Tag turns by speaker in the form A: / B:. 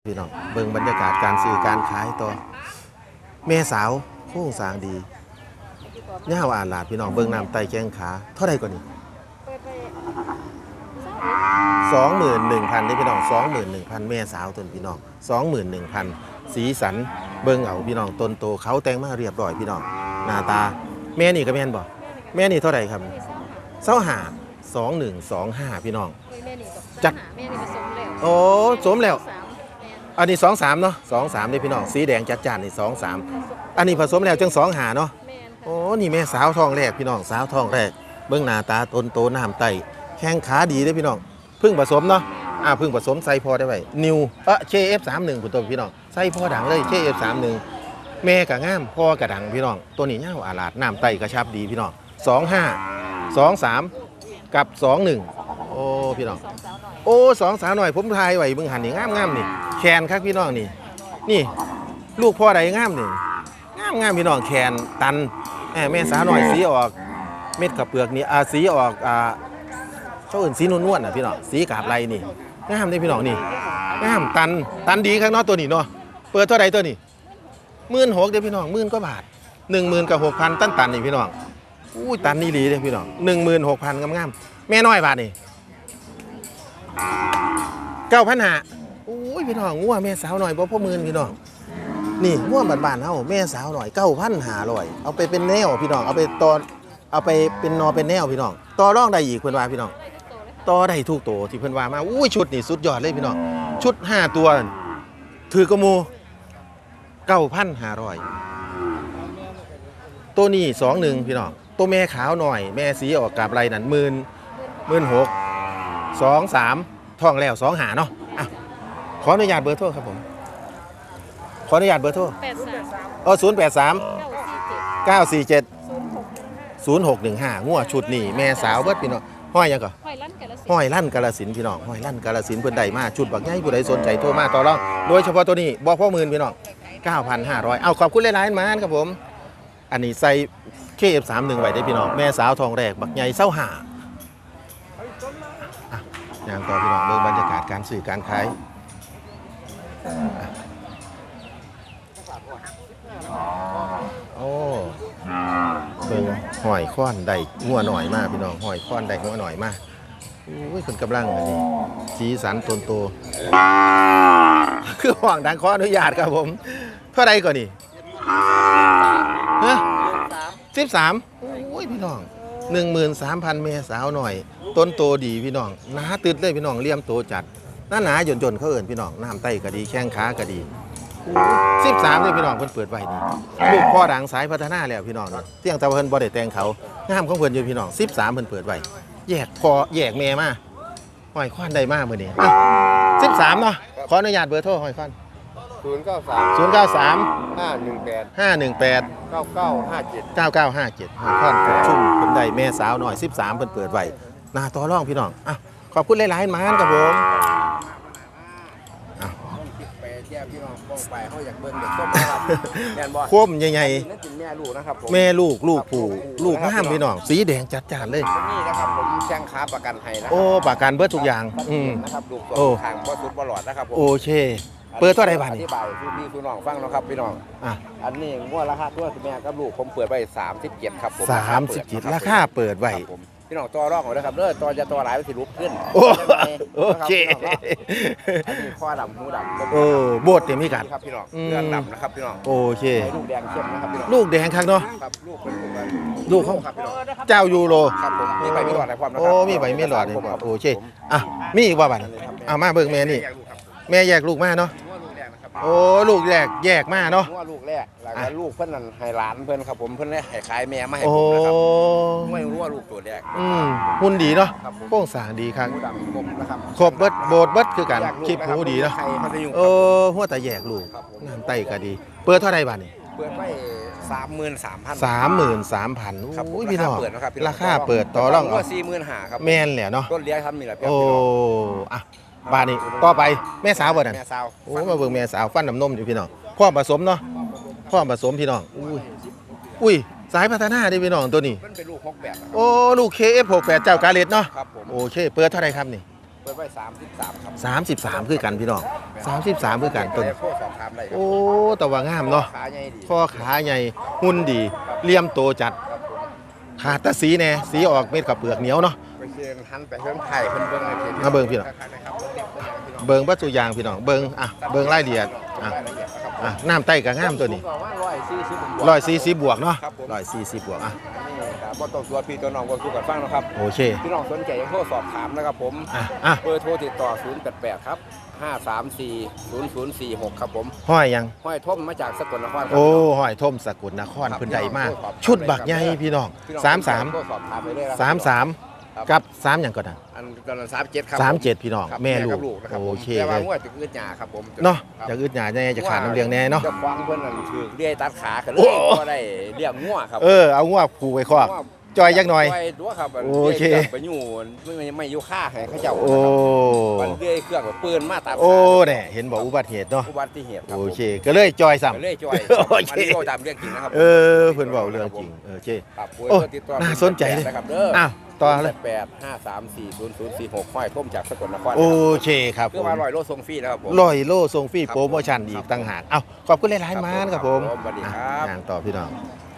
A: พี่น้องเบิ่งบรรยากาศการซื้อการขายต่อแม่สาวโค้งสร้างดีย่าวอาลาดพี่น้องเบิ่งน้ำไตแข้งขาเท่าไรก่อนนี่21,000ได้พี่น้อง21,000แม่สาวต้นพี่น้อง21,000สีสันเบิ่งเอาพี่น้องต้นโตเขาแต่งมาเรียบร้อยพี่น้องหน้าตาแม่นี่ก็แม่นบ่แม่นี่เท่าไรครับ2125พี่น้องจัดโอ้สมแล้วอันนี้23เนาะ23นี่พี่น้องสีแดงจัดจ้านนี่23อันนี้ผสมแล้วจัง25เนาะโอ้นี่แม่สาวท้องแรกพี่น้องสาวท้องแรกเบิ่งหน้าตาต้นโตน้ำไตแข้งขาดีเด้อพี่น้องเพิ่งผสมเนาะเพิ่งผสมใส่พอได้ไว้นิวKF31คุณตัวพี่น้องใส่พอดังเลย KF31แม่กะงามพ่อกะดังพี่น้องตัวนี้ยาวอาลาดน้ำไตกระชับดีพี่น้อง25 23กับ21โอ้พี่น้องโอ้สองสาวหน่อยผมทายไว้เบิ่งหันนี่งามนี่แคนครับพี่น้องนี่ลูกพ่อใดงามนี่งามพี่น้องแคนตันแม่สาวหน่อยสีออกเม็ดกับเปลือกนี่สีออกเขาอื่นสีนวลๆพี่น้องสีกาบไรนี่งามได้พี่น้องนี่งามตันดีครับเนาะตัวนี้เนาะเปิดเท่าใดตัวนี้16,000เด้อพี่น้อง10,000กว่าบาท10,000กับ6,000ตันนี่พี่น้องอุ้ยตันนี่หลีเด้อพี่น้อง16,000งามๆแม่น้อยบาทนี่9,500อุ้ยพี่น้องงัวแม่สาวหน่อยบ่พอหมื่นพี่น้องนี่งัวบ้านๆเฮาแม่สาวหน่อย9,500เอาไปเป็นแนวพี่น้องเอาไปตอนเอาไปเป็นนอเป็นแนวพี่น้องต่อรองได้อีกเพิ่นว่าพี่น้องต่อได้ทุกตัวที่เพิ่นว่ามาอุ้ยชุดนี่สุดยอดเลยพี่น้องชุด5ตัวถือกระมู 9,500ตัวนี้21พี่น้องตัวแม่ขาวหน่อยแม่สีออกกาบไรนั่น16,000 23ท้องแล้ว25เนาะขออนุญาตเบอร์โทรครับผมขออนุญาตเบอร์โทร083 947 0615งัวชุดนี่แม่สาวเบิดพี่น้องห้อยยังก่อห้อยลั่นกาฬสินธุ์พี่น้องห้อยลั่นกาฬสินธุ์เพิ่นได้มาชุดบักใหญ่ผู้ใดสนใจโทรมาต่อรองโดยเฉพาะตัวนี้บ่พอหมื่นพี่น้อง 9,500เอาขอบคุณหลายๆมานครับผมอันนี้ใส่ KF31 ไว้ได้พี่น้องแม่สาวทองแรกบักใหญ่เศร้าหาอย่างต่อพี่น้องเรื่องบรรยากาศการซื้อการขายโอ้เบิ่งหอยค้อนได้งัวหน่อยมากพี่น้องหอยค้อนได้งัวหน่อยมากอุ้ยคนกำลังอันนี้สีสันต้นโตคือห่วงดังขออนุญาตครับผมเท่าไรก่อนนี่ฮะ13โอ้ยพี่น้อง13,000เมสาวหน่อยต้นโตดีพี่น้องหนาตึดเลยพี่น้องเลี่ยมโตจัดหนาหย่นเขาเอิ้นพี่น้องน้ำไตก็ดีแข้งขาก็ดี13เลยพี่น้องเพิ่นเปิดไว้นี่ลูกพ่อดังสายพัฒนาแล้วพี่น้องเที่ยงตะเพิ่นบ่ได้แต่งเขางามของเพิ่นอยู่พี่น้อง13เพิ่นเปิดไว้แยกพ่อแยกแม่มาห้อยควันได้มามื้อนี้13เนาะขออนุญาตเบอร์โทรห้อยควัน093 518 9957ห้อยควันปุกชุ่มเพิ่นได้แม่สาวหน่อย13เพิ่นเปิดไว้หน้าต่อรองพี่น้องขอบคุณหลายๆมานครับผม
B: พี่น้องป้องไปเขาอยากเบิ่งเด็กส้มนะครับแม่นบ่
A: คมใหญ่
B: ๆนั่นเป็นแม่ลูกนะครับผม
A: แม่ลูกผู้ลูกงามพี่น้องสีแดงจัดจ้านเลย
B: นี่นะครับผมแจ้งค้าประกันให้นะ
A: โอ้ประกันเบิดทุกอย่าง
B: นะครับลูกตัวทางบ่สุดบ่หลอดนะครับผม
A: โอเคเปิดเท่าไหร่บาทนี่
B: อธิบายพี่น้องฟังนะครับพี่น้องอันนี้งวดราคาตัวแม่กับลูกผมเปิดไว้37ครับผม
A: 37ราคาเปิดไว้
B: พี่น้องต่อรองเอานะครับต่อจะต่อหลายสิลุกขึ้น
A: โอเค
B: อันนี้ข้อดำหูดำ
A: โบดเต็มพิกัด
B: ครับพี่น้องเลือดดำนะครับพี่น้อง
A: โอเค
B: ลูกแดงเข้มนะครับพี่น้อง
A: ลูกแดงครับเนาะ
B: ครับลูกเป็น
A: ลูกเขา
B: ครับพี่น้อง
A: เจ้ายูโร
B: ครับผมมีใบมีหลอดอะไรความนะครับ
A: โอ้มีใบมีหลอดเลยโอเคมีอีกว่าบัดมาเบิ่งแม่นี่แม่แยกลูกมาเนาะโอ้ลูกแยกมาเนาะ
B: ลูกแรกแล้วก็ลูกเพิ่นนั่นให้หลานเพิ่นครับผมเพิ่นให้ขายแม่มาให้ผมนะครับไม่รู้ว่าลูกตัวแรก
A: หุ่นดีเนาะโค้งสร้างดีครับครบเบิดโบดเบิดคือกันคลิปหูดีเนาะหัวแต่แยกลูกน้ำไตก็ดีเปิดเท่าไรบาทนี่
B: เปิดไว้
A: 33,000อุ้ยพี่น้องราคาเปิดต่อรอง
B: 45,000ครับ
A: แม่นแหละเนาะ
B: ต้นเลี้ยงทำนี่แหละ
A: โอ้บาทนี่ต่อไปแม่สาวบ่นั่น
B: แม่สาว
A: โอ้มาเบิ่งแม่สาวฟันน้ำนมอยู่พี่น้องพ่อผสมเนาะพ่อผสมพี่น้องอุ้ยสายพัฒนาดิพี่น้องตัวนี้
B: มันเป็นลูก6แบบ
A: โอ้ลูก KF68 เจ้ากาเลตเนาะโอเคเปิดเท่าไรครับนี่
B: เปิดไว้33ครับ
A: 33คือกันพี่น้อง33คือกันต้น
B: โทรสอบถามได้ครับ
A: โอ้แต่ว่างามเนาะ
B: ขาใหญ่ดี
A: ข้อขาใหญ่หุ่นดีเหลี่ยมโตจัด
B: ครับผม
A: ขาดแตะสีแน่สีออกเม็ดกับเปลือกเหนียวเนาะ
B: ไปเชิญหันไปเพิ่นไทยเพิ่นเบิ่งในเพจ
A: มาเบิ่งพี่น้อง
B: นะครับเบิ่งเด็กเบิ่งอย่างพี่น้อง
A: เบิ่งวัตถุยางพี่น้องเบิ่งอ่ะเบิ่งรายละเอียดอ่ะ
B: รายละเอียดนะครับ
A: อ่ะน้ำใต้กับงามตัวนี้
B: ผมก็ว่า140
A: 140บวกเนาะ
B: ครับผม
A: 140บวกอ่ะ
B: นี่ครับบ่ต้องตัวพี่ตัวน้องบ่สู้กันฟังนะครับ
A: โอเค
B: พี่น้องสนใจยังโทรสอบถามนะครับผม
A: อ่ะ
B: เบอร์โทรติดต่อ088ครับ534 0046ครับผม
A: ห้อยยัง
B: ห้อยทมมาจากสกลนครครับ
A: โอ้ห้อยทมสกุลนคร
B: ครับ
A: เพิ่นใดมาก
B: พี่น้อง
A: ชุดบักใหญ่พี่น้อง
B: พี่น้อง
A: 33
B: โทรสอบถามไปเลยนะ
A: 33กับ3หยังก่อนนะ
B: อันตอนนั้น37ครับ
A: 37พี่น้อง
B: ครับ
A: แม่ลู
B: กั
A: ก
B: บลูกนะครับ
A: โอเค
B: แต่
A: เล
B: ว่าย งวดจะอึดหยาครับผม
A: เนาะ
B: ครับ
A: อยากอึดหยาแน่จะขาดน้ำเลี้ยงแน่เนาะ
B: จะฟังเพิ่นนั่นถือเรียตัดขากันเล
A: โอ้
B: ยก็ได้เรียกงัวครับ
A: เอางวกผูกไว้คอกจอยยักหน่อย
B: จอยตัวครับ
A: โอเค
B: รื่งไปอยู่ไม่อยู่ค่าให้เขาเจ้า
A: โอ้
B: มันเรื่อยเครื่องกับปืนมาตัดขา
A: โอ้แน่เห็นบอกอุบัติเหตุเนาะ
B: อุบัติเหตุครับ
A: โอเคก็เลยจอยซ้ำ
B: เรื่อยจอย
A: โอเค
B: อันนี้ก็ตามเรื่องจริงนะครับ
A: เพิ่นเว้าเรื่องจริงโอเค
B: ครับ
A: โอ้
B: ติดต่อ
A: น่าสนใจเลย
B: นะครับเด้อ
A: อ้าวต่อเลย
B: 853400046ห้อยท่มจากสกลนคร
A: โอเคครับ
B: คือว่า100 โลส่งฟรีนะครับผม
A: 100 โลส่งฟรีโปรโมชั่นอีกต่างหากเอ้าขอบคุณหลายๆมากครับผม
B: สวัสดีครับ
A: งานต่อพี่น้อง
B: ค